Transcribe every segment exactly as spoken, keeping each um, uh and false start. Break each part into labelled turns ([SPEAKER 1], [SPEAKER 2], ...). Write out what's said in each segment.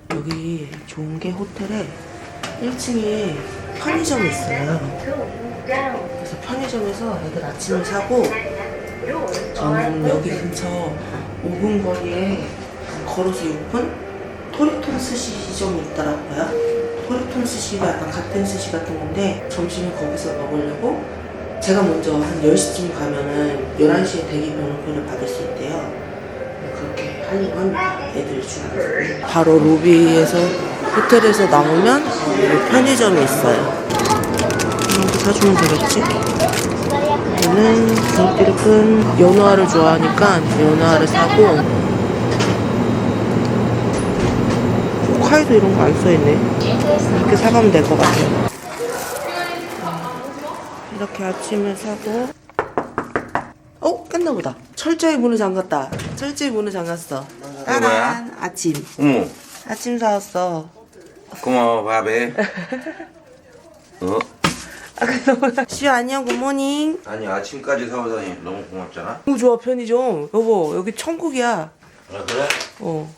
[SPEAKER 1] 여기 좋은 게 호텔에 일 층에 편의점이 있어요. 그래서 편의점에서 애들 아침을 사고 저는 여기 근처 오 분 거리에 걸어서 육 분 토리톤 스시점이 있더라고요. 토리톤 스시가 약간 갓된 스시 같은 건데 점심을 거기서 먹으려고 제가 먼저 한 열 시쯤 가면은 열한 시에 대기 변호표를 받을 수 있대요. 그렇게 하려고 합니다. 애들 중에서. 바로 로비에서 호텔에서 나오면 여기 편의점이 있어요. 이렇게 사주면 되겠지? 얘는 등끼리 큰 연어알을 좋아하니까 연어알을 사고 호카이도 이런 거 안 써있네. 이렇게 사가면 될 것 같아요. 이렇게 아침을 사고 어? 깼나 보다. 철저히 문을 잠갔다. 철저히 문을 잠갔어. 따란 아침.
[SPEAKER 2] 어머,
[SPEAKER 1] 아침 사왔어.
[SPEAKER 2] 고마워, 바베. 어?
[SPEAKER 1] 아, 근데 시우 안녕 굿모닝.
[SPEAKER 2] 아니, 아침까지 사오다니 너무 고맙잖아.
[SPEAKER 1] 너무 좋아 편의점. 여보 여기 천국이야.
[SPEAKER 2] 아, 그래?
[SPEAKER 1] 어.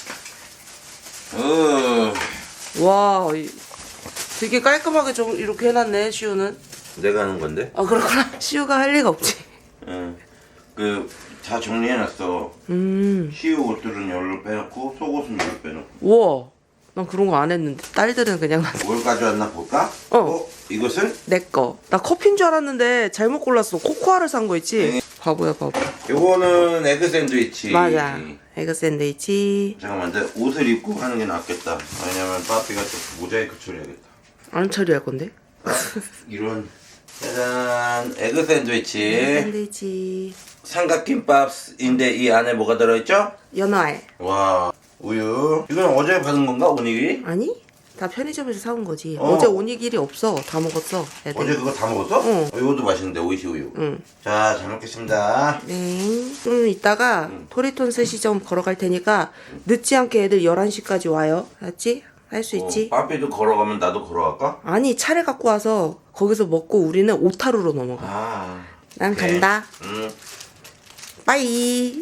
[SPEAKER 2] 어,
[SPEAKER 1] 와 이- 되게 깔끔하게 좀 이렇게 해놨네 시우는.
[SPEAKER 2] 내가 하는 건데?
[SPEAKER 1] 아 그렇구나. 시우가 할 리가 없지.
[SPEAKER 2] 응. 그, 다 정리해놨어.
[SPEAKER 1] 음.
[SPEAKER 2] 시우 옷들은 열로 빼놓고, 속옷은 열로 빼놓고.
[SPEAKER 1] 우와. 난 그런 거 안 했는데 딸들은 그냥
[SPEAKER 2] 뭘 가져왔나 볼까?
[SPEAKER 1] 어.
[SPEAKER 2] 이것은?
[SPEAKER 1] 내 거. 나 커피인 줄 알았는데 잘못 골랐어. 코코아를 산 거 있지?
[SPEAKER 2] 네.
[SPEAKER 1] 바보야 바보.
[SPEAKER 2] 요거는 에그 샌드위치.
[SPEAKER 1] 맞아. 에그 샌드위치.
[SPEAKER 2] 잠깐만, 내 옷을 입고 하는 게 낫겠다. 왜냐면 빠삐가 또 모자이크 처리하겠다.
[SPEAKER 1] 안 처리할 건데?
[SPEAKER 2] 이런. 짜잔, 에그 샌드위치.
[SPEAKER 1] 에그 샌드위치.
[SPEAKER 2] 삼각김밥인데 이 안에 뭐가 들어있죠?
[SPEAKER 1] 연어알.
[SPEAKER 2] 와, 우유. 이건 어제 받은 건가, 오니기?
[SPEAKER 1] 아니? 다 편의점에서 사온 거지.
[SPEAKER 2] 어.
[SPEAKER 1] 어. 제 오니길이 없어. 다 먹었어. 애들.
[SPEAKER 2] 어제 그거 다 먹었어?
[SPEAKER 1] 응.
[SPEAKER 2] 어, 이것도 맛있는데, 오이시 우유.
[SPEAKER 1] 응.
[SPEAKER 2] 자, 잘 먹겠습니다.
[SPEAKER 1] 네. 좀 이따가
[SPEAKER 2] 응.
[SPEAKER 1] 토리톤 스시점 걸어갈 테니까 늦지 않게 애들 열한 시까지 와요. 알았지? 할 수 있지?
[SPEAKER 2] 어, 빠삐도 걸어가면 나도 걸어갈까?
[SPEAKER 1] 아니 차를 갖고 와서 거기서 먹고 우리는 오타루로 넘어가.
[SPEAKER 2] 아.
[SPEAKER 1] 난
[SPEAKER 2] 오케이.
[SPEAKER 1] 간다.
[SPEAKER 2] 응.
[SPEAKER 1] 빠이.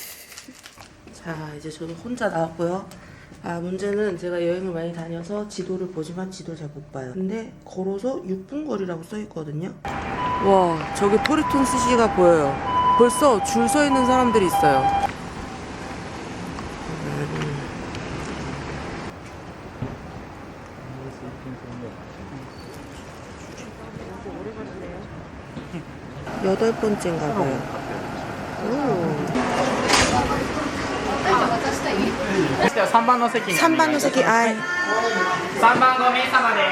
[SPEAKER 1] 자 이제 저도 혼자 나왔고요. 아 문제는 제가 여행을 많이 다녀서 지도를 보지만 지도 잘 못 봐요. 근데 걸어서 육 분 거리라고 써있거든요. 와 저기 토리톤 스시가 보여요. 벌써 줄 서 있는 사람들이 있어요. 여덟 번째인가 봐요. 오.
[SPEAKER 3] さんばんの席に
[SPEAKER 1] 삼 번 노세키 아이.
[SPEAKER 3] さんばんご名様で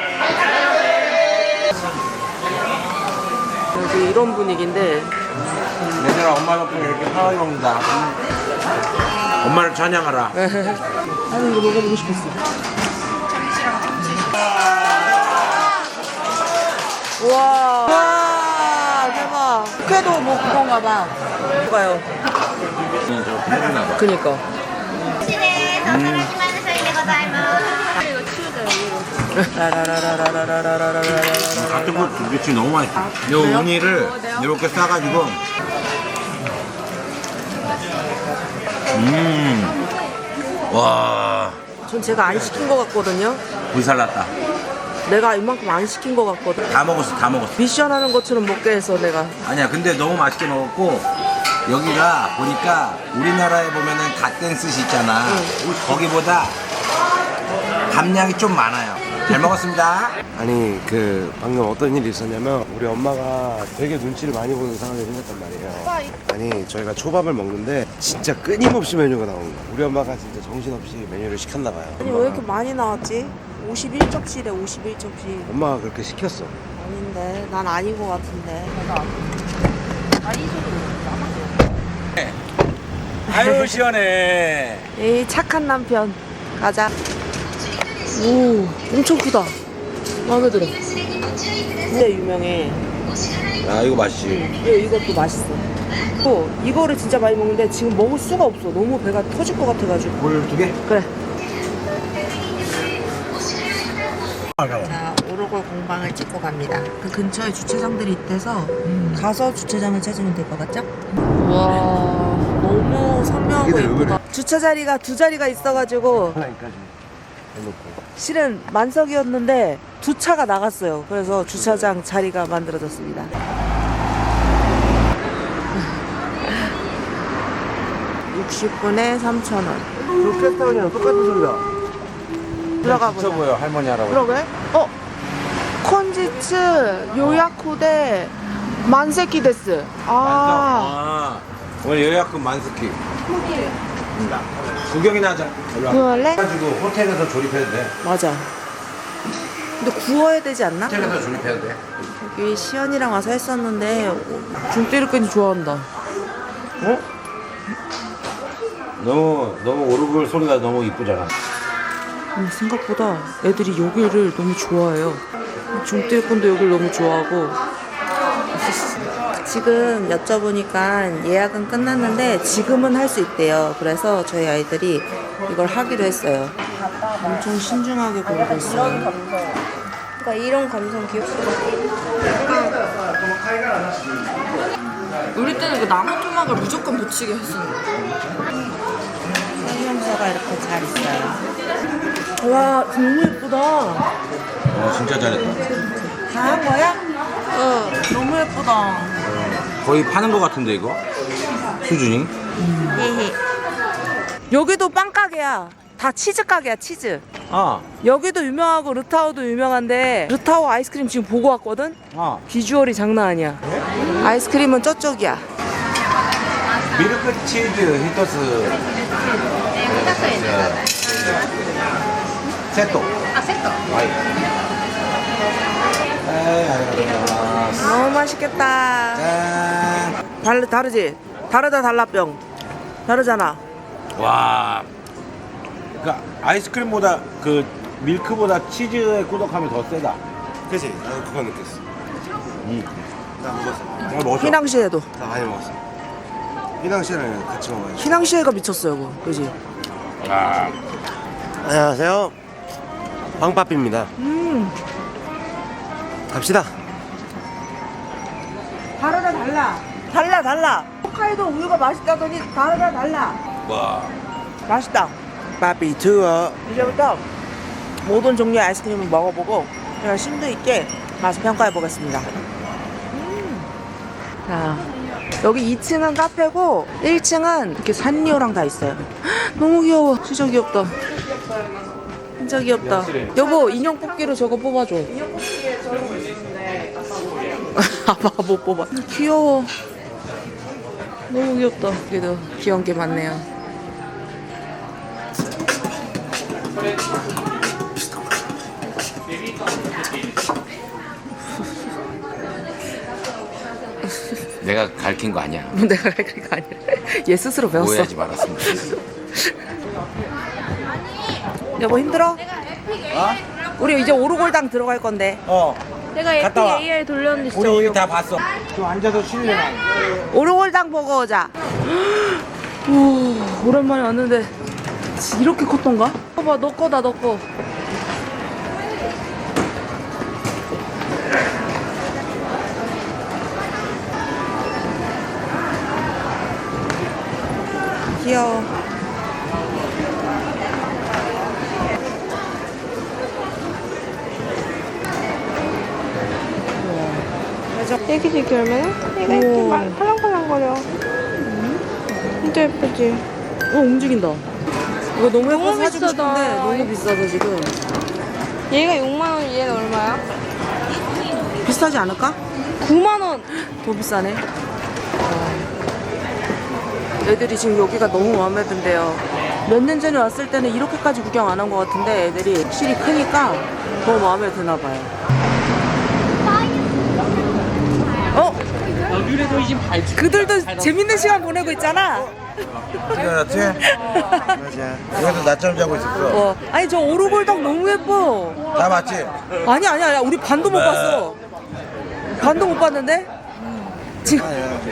[SPEAKER 1] 여기 이런 분위기인데
[SPEAKER 2] 얘들아, 엄마 덕분에 이렇게 편하게 먹는다. 엄마를 찬양하라.
[SPEAKER 1] 나는 이거 먹어보고 싶었어. 우와. 우와 대박. 국회도 뭐 그런가 봐. 봐요. 그니까.
[SPEAKER 2] 같은 거 두개치 너무 맛있어. 요 우니를 이렇게 싸가지고. 음. 와.
[SPEAKER 1] 전 제가 안 시킨 거 같거든요.
[SPEAKER 2] 불살났다.
[SPEAKER 1] 내가 이만큼 안 시킨 거 같거든.
[SPEAKER 2] 다 먹었어, 다 먹었어.
[SPEAKER 1] 미션 하는 것처럼 먹게 해서 내가.
[SPEAKER 2] 아니야, 근데 너무 맛있게 먹었고, 여기가 보니까 우리나라에 보면은 갓된 스시 있잖아. 거기보다 감량이 좀 많아요. 잘 먹었습니다.
[SPEAKER 4] 아니 그 방금 어떤 일이 있었냐면 우리 엄마가 되게 눈치를 많이 보는 상황이 생겼단 말이에요. 아니 저희가 초밥을 먹는데 진짜 끊임없이 메뉴가 나오는 거야. 우리 엄마가 진짜 정신없이 메뉴를 시켰나 봐요.
[SPEAKER 1] 아니 왜 이렇게 많이 나왔지? 오십일 접시래 오십일 접시.
[SPEAKER 4] 엄마가 그렇게 시켰어.
[SPEAKER 1] 아닌데 난 아닌 것 같은데.
[SPEAKER 2] 아유, 시원해.
[SPEAKER 1] 에이 착한 남편. 가자. 오 엄청 크다. 마음에 들어. 진짜 유명해.
[SPEAKER 2] 아, 이거 맛있지.
[SPEAKER 1] 이거, 이것도 맛있어. 또 이거를 진짜 많이 먹는데 지금 먹을 수가 없어. 너무 배가 터질 것 같아가지고.
[SPEAKER 2] 물 두 개?
[SPEAKER 1] 그래. 자, 오르골 공방을 찍고 갑니다. 그 근처에 주차장들이 있대서 음. 가서 주차장을 찾으면 될 것 같죠? 와, 너무 선명하고
[SPEAKER 4] 이게
[SPEAKER 1] 예쁘다. 주차 자리가 두 자리가 있어가지고
[SPEAKER 4] 하나까지. 해놓고.
[SPEAKER 1] 실은 만석이었는데 두 차가 나갔어요. 그래서 주차장 자리가 만들어졌습니다. 육십 분에 삼천 원.
[SPEAKER 4] 그 캐스터원이랑 똑같은 소리다.
[SPEAKER 1] 들어가
[SPEAKER 2] 미쳐
[SPEAKER 1] 보자.
[SPEAKER 2] 보여 할머니 할아버지.
[SPEAKER 1] 그러게? 어? 콘지츠 요야쿠데 만세키 데스. 아.
[SPEAKER 2] 아, 오늘 요약금 만스키. 구경이나 하자. 일로 와.
[SPEAKER 1] 구할래?
[SPEAKER 2] 가지고 호텔에서 조립해도 돼.
[SPEAKER 1] 맞아. 근데 구워야 되지 않나?
[SPEAKER 2] 호텔에서 조립해도 돼.
[SPEAKER 1] 여기 시연이랑 와서 했었는데 중때리까지 좋아한다.
[SPEAKER 2] 어? 너무 너무 오르골 소리가 너무 이쁘잖아.
[SPEAKER 1] 근데 생각보다 애들이 여기를 너무 좋아해요. 중때리꾼도 여기를 너무 좋아하고. 지금 여쭤보니까 예약은 끝났는데 지금은 할 수 있대요. 그래서 저희 아이들이 이걸 하기로 했어요. 엄청 신중하게 고르고 있어요.
[SPEAKER 5] 그러니까 이런 감성 귀엽다.
[SPEAKER 1] 우리 때는 그 나무 토막을 무조건 붙이게 했었는데. 설명서가 이렇게 잘 있어요. 와, 너무 예쁘다.
[SPEAKER 2] 어 진짜 잘했다.
[SPEAKER 1] 다 한 거야? 응. 너무 예쁘다.
[SPEAKER 2] 거의 파는 거 같은데 이거 수준이.
[SPEAKER 1] 여기도 빵 가게야. 다 치즈 가게야, 치즈.
[SPEAKER 2] 아,
[SPEAKER 1] 여기도 유명하고 르타오도 유명한데 르타오 아이스크림 지금 보고 왔거든?
[SPEAKER 2] 아.
[SPEAKER 1] 비주얼이 장난 아니야. 아이스크림은 저쪽이야.
[SPEAKER 2] 미르크 치즈 히토스. 세토. 아 세토. 와이. 에이, 아리가토.
[SPEAKER 1] 너무 맛있겠다.
[SPEAKER 2] 짠.
[SPEAKER 1] 달, 다르지? 다르다 달라병. 다르잖아.
[SPEAKER 2] 와. 그러니까 아이스크림보다 그 밀크보다 치즈의 꾸덕함이 더 세다.
[SPEAKER 4] 그치? 나도 그거 느꼈어.
[SPEAKER 2] 음.
[SPEAKER 4] 나 먹었어.
[SPEAKER 2] 내가 먹었어.
[SPEAKER 1] 휘낭시에도.
[SPEAKER 4] 나 많이 먹었어. 휘낭시랑 같이 먹어야지.
[SPEAKER 1] 휘낭시에가 미쳤어 이거. 그지?
[SPEAKER 2] 아.
[SPEAKER 4] 안녕하세요. 황빠삐입니다.
[SPEAKER 1] 음.
[SPEAKER 4] 갑시다.
[SPEAKER 1] 다르다 달라. 달라 달라. 홋카이도 우유가 맛있다더니 다르다 달라.
[SPEAKER 2] 와.
[SPEAKER 1] 맛있다.
[SPEAKER 4] 빠삐 투어.
[SPEAKER 1] 이제부터 모든 종류의 아이스크림을 먹어보고 그냥 심도 있게 맛을 평가해 보겠습니다. 음. 자, 여기 이 층은 카페고 일 층은 이렇게 산리오랑 다 있어요. 헉, 너무 귀여워. 진짜 귀엽다. 진짜 귀엽다. 여보 인형 뽑기로 저거 뽑아줘. 인형 뽑기에 저런 거 있는데 아빠가 못 뽑아. 귀여워. 너무 귀엽다. 그래도 귀여운 게 많네요.
[SPEAKER 2] 내가 가르친 거 아니야.
[SPEAKER 1] 내가 그런 거 아니라 얘 스스로 배웠어.
[SPEAKER 2] 오해하지 말았습니다.
[SPEAKER 1] 여보 힘들어? 우리 이제 오르골당 들어갈 건데.
[SPEAKER 2] 어.
[SPEAKER 5] 내가
[SPEAKER 2] 갔다 와.
[SPEAKER 5] 예쁘게 에이아이 돌렸는데 진짜
[SPEAKER 2] 우리
[SPEAKER 5] 어려워.
[SPEAKER 2] 다 봤어. 좀 앉아서 쉴래 나.
[SPEAKER 1] 오르골당 보고 오자. 오, 오랜만에 왔는데 이렇게 컸던가? 봐봐 너 거다 너 거. 귀여워.
[SPEAKER 5] 애기들 결면은 얘가 이렇게
[SPEAKER 1] 우와.
[SPEAKER 5] 말- 팔랑팔랑거려. 진짜 예쁘지?
[SPEAKER 1] 어 움직인다. 이거 너무 예뻐서
[SPEAKER 5] 너무
[SPEAKER 1] 사주고
[SPEAKER 5] 비싸다.
[SPEAKER 1] 싶은데 너무 비싸서 지금.
[SPEAKER 5] 얘가 육만 원, 얘는 얼마야?
[SPEAKER 1] 비싸지 않을까?
[SPEAKER 5] 구만 원.
[SPEAKER 1] 더 비싸네. 어. 애들이 지금 여기가 너무 마음에 든대요. 몇 년 전에 왔을 때는 이렇게까지 구경 안 한 것 같은데 애들이 확실히 크니까 더 마음에 드나 봐요. 어? 그들도 재밌는 시간 보내고 있잖아.
[SPEAKER 2] 지금 나
[SPEAKER 4] 맞아.
[SPEAKER 2] 여기서 낮잠 자고 있었어.
[SPEAKER 1] 어. 아니 저 오르골당 너무 예뻐.
[SPEAKER 2] 다 맞지?
[SPEAKER 1] 아니 아니 아니 우리 반도 못
[SPEAKER 2] 네.
[SPEAKER 1] 봤어. 반도 못 봤는데? 지금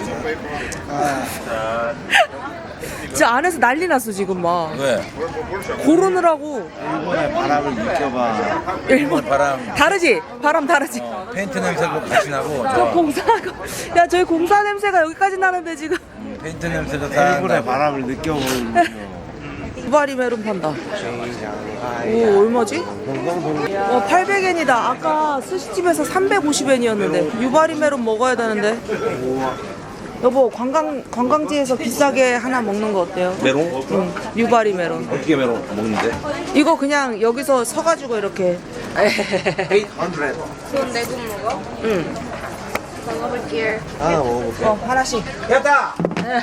[SPEAKER 1] 진짜 안에서 난리 났어 지금 막
[SPEAKER 2] 왜?
[SPEAKER 1] 고르느라고.
[SPEAKER 4] 일본의 바람을 느껴봐.
[SPEAKER 1] 일본
[SPEAKER 2] 바람.
[SPEAKER 1] 다르지? 바람 다르지?
[SPEAKER 2] 페인트 냄새도 같이 나고.
[SPEAKER 1] 저
[SPEAKER 2] 저
[SPEAKER 1] 공사하고 야 저희 공사 냄새가 여기까지 나는데 지금
[SPEAKER 2] 페인트 냄새도 다.
[SPEAKER 4] 일본의 바람을 느껴보는 거.
[SPEAKER 1] 유바리 메론 판다. 오, 얼마지? 와, 팔백 엔이다. 아까 스시집에서 삼백오십 엔이었는데. 유바리 메론 먹어야 되는데. 여보, 관광, 관광지에서 비싸게 하나 먹는 거 어때요?
[SPEAKER 2] 메론?
[SPEAKER 1] 응, 유바리 메론.
[SPEAKER 2] 어떻게 메론 먹는데?
[SPEAKER 1] 이거 그냥 여기서 서가지고 이렇게.
[SPEAKER 2] 팔백.
[SPEAKER 5] 그건 내돈 먹어?
[SPEAKER 1] 응.
[SPEAKER 5] 먹어볼게요.
[SPEAKER 4] 하나 먹어볼게.
[SPEAKER 1] 어, 하나씩.
[SPEAKER 2] 됐다.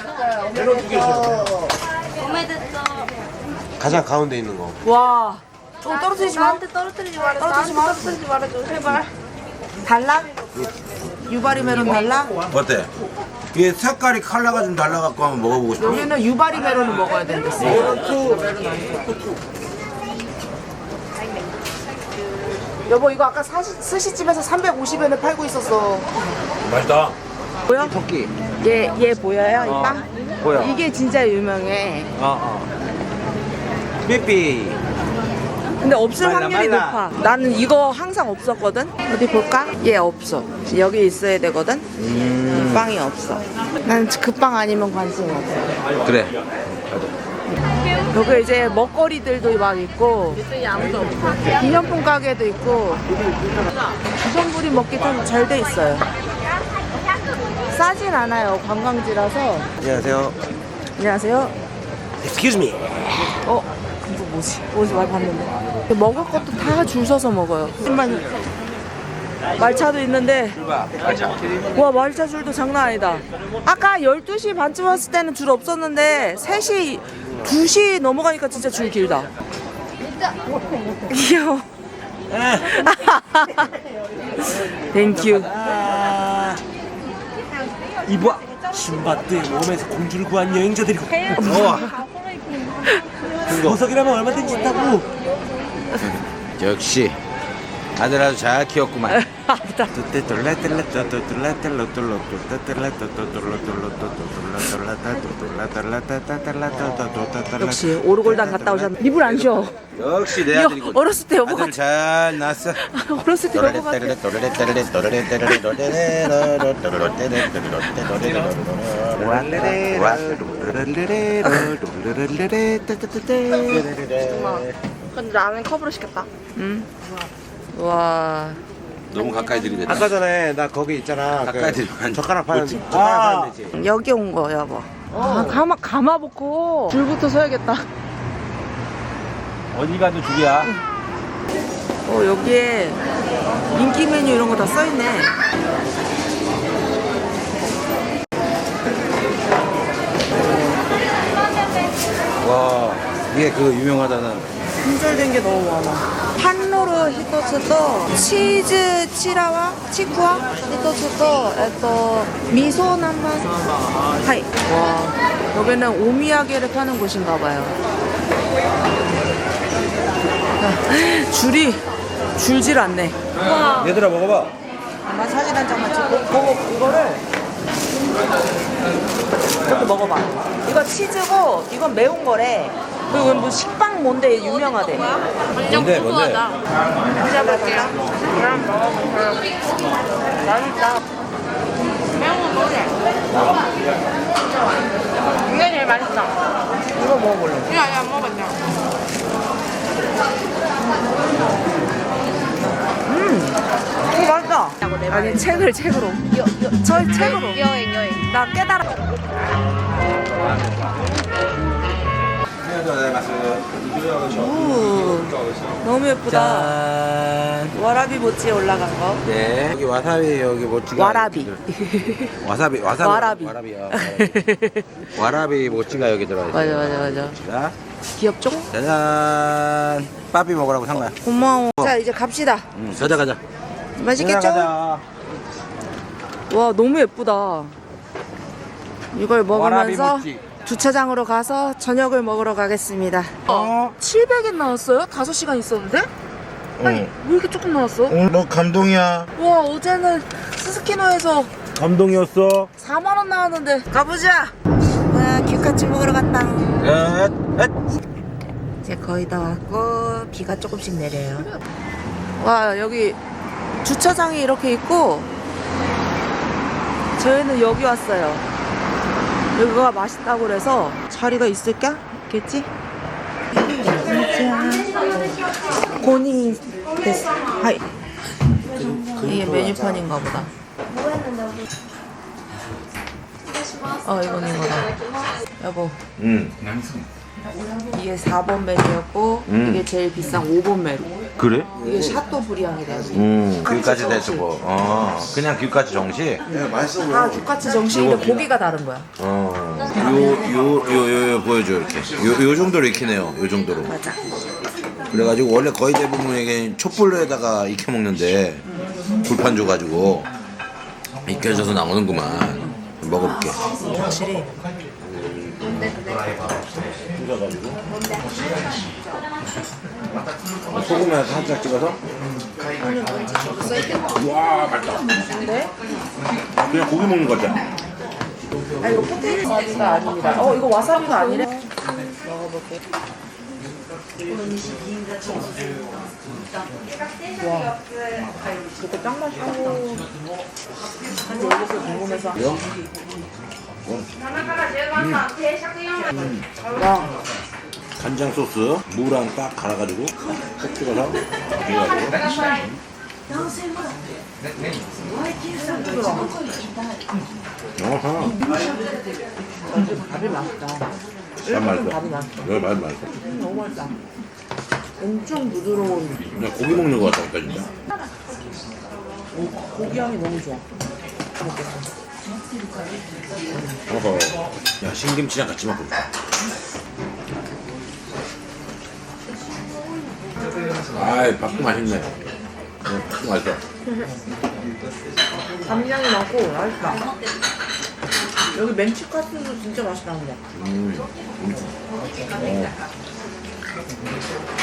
[SPEAKER 5] 오메데또.
[SPEAKER 4] 가장 가운데 있는 거.
[SPEAKER 1] 와. 좀 떨어뜨리지 마.
[SPEAKER 5] 나한테 떨어뜨리지 말아줘.
[SPEAKER 1] 떨어뜨리지 마.
[SPEAKER 5] 나한테 떨어뜨리지 말아줘. 제발.
[SPEAKER 1] 달라? 유바리 메론 달라?
[SPEAKER 2] 어때? 이게 색깔이 컬러가 좀 달라갖고 한번 먹어보고 싶어.
[SPEAKER 1] 여기는 유바리 메론을 먹어야 된댔어. 여보, 이거 아까 사시, 스시집에서 삼백오십 엔에 팔고 있었어.
[SPEAKER 2] 맛있다.
[SPEAKER 1] 보여?
[SPEAKER 2] 토끼.
[SPEAKER 1] 얘, 얘 보여요? 이
[SPEAKER 2] 어,
[SPEAKER 1] 빵?
[SPEAKER 2] 보여.
[SPEAKER 1] 이게 진짜 유명해.
[SPEAKER 2] 어, 어. 삐삐.
[SPEAKER 1] 근데 없을
[SPEAKER 2] 말라,
[SPEAKER 1] 확률이
[SPEAKER 2] 말라.
[SPEAKER 1] 높아. 나는 이거 항상 없었거든? 어디 볼까? 얘 없어. 여기 있어야 되거든?
[SPEAKER 2] 음.
[SPEAKER 1] 이 빵이 없어. 난 그 빵 아니면 관심이 없어.
[SPEAKER 2] 그래.
[SPEAKER 1] 여기 이제 먹거리들도 막 있고, 기념품 가게도 있고, 주전부리 먹기 좀 잘 돼 있어요. 싸진 않아요. 관광지라서.
[SPEAKER 4] 안녕하세요.
[SPEAKER 1] 안녕하세요.
[SPEAKER 4] Excuse me.
[SPEAKER 1] 어? 이거 뭐지? 어디서 많이 봤는데. 먹을 것도 다 줄 서서 먹어요. 하지만 말차도 있는데, 와, 말차 줄도 장난 아니다. 아까 열두 시 반쯤 왔을 때는 줄 없었는데 세 시, 두 시 넘어가니까 진짜 줄 길다. 귀여워. 땡큐.
[SPEAKER 4] 이봐. 신밧드의 몸에서 공주를 구한 여행자들이고.
[SPEAKER 2] 우와.
[SPEAKER 4] 보석이라면 얼마든지 있다고.
[SPEAKER 2] 역시 아들 아주 잘 키웠구만.
[SPEAKER 1] 역시 오르골당 갔다 오셨네. 입을 안 쉬어.
[SPEAKER 2] 역시 내
[SPEAKER 1] 이거
[SPEAKER 2] 아들이고.
[SPEAKER 1] 어렸을 때 여보가
[SPEAKER 2] 아들 잘 낳았어.
[SPEAKER 1] 어렸을 때 여보가
[SPEAKER 5] 근데 라면 컵으로 시켰다.
[SPEAKER 1] 응. 와.
[SPEAKER 2] 너무 가까이 들이댔다.
[SPEAKER 4] 아까 전에 나 거기 있잖아.
[SPEAKER 2] 가까이
[SPEAKER 4] 그
[SPEAKER 2] 들이면
[SPEAKER 4] 젓가락 파는
[SPEAKER 2] 그렇지.
[SPEAKER 4] 젓가락
[SPEAKER 2] 아.
[SPEAKER 4] 파는 데지.
[SPEAKER 1] 여기 온 거 여보. 아, 가마 가마 놓고 줄부터 서야겠다.
[SPEAKER 2] 어디 가도 줄이야.
[SPEAKER 1] 어, 여기에 인기 메뉴 이런 거 다 써 있네.
[SPEAKER 2] 와, 이게 그 유명하다는.
[SPEAKER 1] 품절된 게 너무 많아. 한노르 히토츠도 치즈 치라와 치쿠와 히토츠도 에또 미소 남반 하이. 와, 여기는 오미야게를 파는 곳인가 봐요. 아, 줄이 줄질 않네.
[SPEAKER 2] 얘들아 먹어봐.
[SPEAKER 1] 엄마 사진 한 장만 찍고 먹어. 이거를 이렇게 먹어봐. 이거 치즈고 이건 매운 거래. 그리고 뭐 식빵 뭔데 유명하대.
[SPEAKER 2] 뭔데 뭔데?
[SPEAKER 1] 드셔볼게요. 그럼 먹어볼게요. 맛있다. 매운 거 뭐래? 이게 제일 맛있다. 이거 먹어볼래. 이거 아직 안 먹었냐? 음, 이거 맛있다. 아니 책을 책으로. 저 책으로.
[SPEAKER 5] 여행 여행.
[SPEAKER 1] 나 깨달아. 오, 너무 예쁘다.
[SPEAKER 2] 짠.
[SPEAKER 1] 와라비 모찌에 올라간 거.
[SPEAKER 2] 네. 여기 와사비 여기 모찌가.
[SPEAKER 1] 와라비.
[SPEAKER 2] 와사비 와사비.
[SPEAKER 1] 와라비.
[SPEAKER 2] 와라비야. 와라비. 와라비 모찌가 여기 들어있어.
[SPEAKER 1] 맞아 맞아 맞아.
[SPEAKER 2] 자,
[SPEAKER 1] 귀엽죠?
[SPEAKER 2] 짜잔. 빠삐 먹으라고 산 거야.
[SPEAKER 1] 고마워. 자 이제 갑시다.
[SPEAKER 2] 응, 가자 가자.
[SPEAKER 1] 맛있겠죠?
[SPEAKER 2] 가자.
[SPEAKER 1] 와 너무 예쁘다. 이걸
[SPEAKER 2] 와라비
[SPEAKER 1] 먹으면서
[SPEAKER 2] 모찌.
[SPEAKER 1] 주차장으로 가서 저녁을 먹으러 가겠습니다. 어? 칠백 엔 나왔어요? 다섯 시간 있었는데? 아니 왜 이렇게 조금 나왔어?
[SPEAKER 2] 오늘 너 감동이야.
[SPEAKER 1] 와 어제는 스스키노에서
[SPEAKER 2] 감동이었어.
[SPEAKER 1] 사만 원 나왔는데 가보자. 와 규카치 먹으러 갔다.
[SPEAKER 2] 넷, 넷.
[SPEAKER 1] 이제 거의 다 왔고 비가 조금씩 내려요. 와 여기 주차장이 이렇게 있고 저희는 여기 왔어요. 여기가 맛있다고 그래서 자리가 있을까? 겠지? 고코니 데스. 하이. 이게 메뉴판인가 보다. 어, 이건 이거다. 여보,
[SPEAKER 2] 응.
[SPEAKER 1] 이게 사 번 메뉴였고,
[SPEAKER 2] 음.
[SPEAKER 1] 이게 제일 비싼 오 번 메뉴.
[SPEAKER 2] 그래?
[SPEAKER 1] 이게 샤또 브리앙이래.
[SPEAKER 2] 음, 귤까지 대주고. 어, 그냥 귤까지 정식?
[SPEAKER 4] 야 맛있어 보여.
[SPEAKER 1] 다 똑같이 정식인데 고기가 다른 거야.
[SPEAKER 2] 어, 요, 요, 요, 요, 요 보여줘, 이렇게. 요, 요 정도로 익히네요, 요 정도로.
[SPEAKER 1] 맞아.
[SPEAKER 2] 그래가지고 원래 거의 대부분 이게 촛불에다가 익혀 먹는데, 불판 줘가지고, 익혀져서 나오는구만. 먹어볼게.
[SPEAKER 1] 확실히.
[SPEAKER 2] 소금에 살짝 찍어서? 와, 맛있다.
[SPEAKER 1] 네?
[SPEAKER 2] 그냥 고기 먹는 거죠?
[SPEAKER 1] 아, 이거 포테이토 와사비가 아닙니다. 어, 이거 와사비가 아니래? 먹어볼게. 와, 이거 짱 맛있고. 한 열개서 궁금해서. 와,
[SPEAKER 2] 간장 소스, 무랑 딱 갈아가지고, 콕 찍어서, 해가지고. 어허.
[SPEAKER 1] 밥이 맛있다.
[SPEAKER 2] 참 맛있어.
[SPEAKER 1] 밥이 맛있어.
[SPEAKER 2] 여기 맛 맛있어.
[SPEAKER 1] 음, 너무 맛있다. 엄청 부드러운
[SPEAKER 2] 그냥 고기 먹는 거 같다니까, 진짜.
[SPEAKER 1] 고기 향이 너무 좋아.
[SPEAKER 2] 어허. 야, 신김치랑 같이 먹고 싶다. 아이, 밥도 맛있네. 어, 밥도 맛있어.
[SPEAKER 1] 감량이 많고 맛있다. 여기 멘치카츠도 진짜 맛있다는데.
[SPEAKER 2] 음. 음. 어.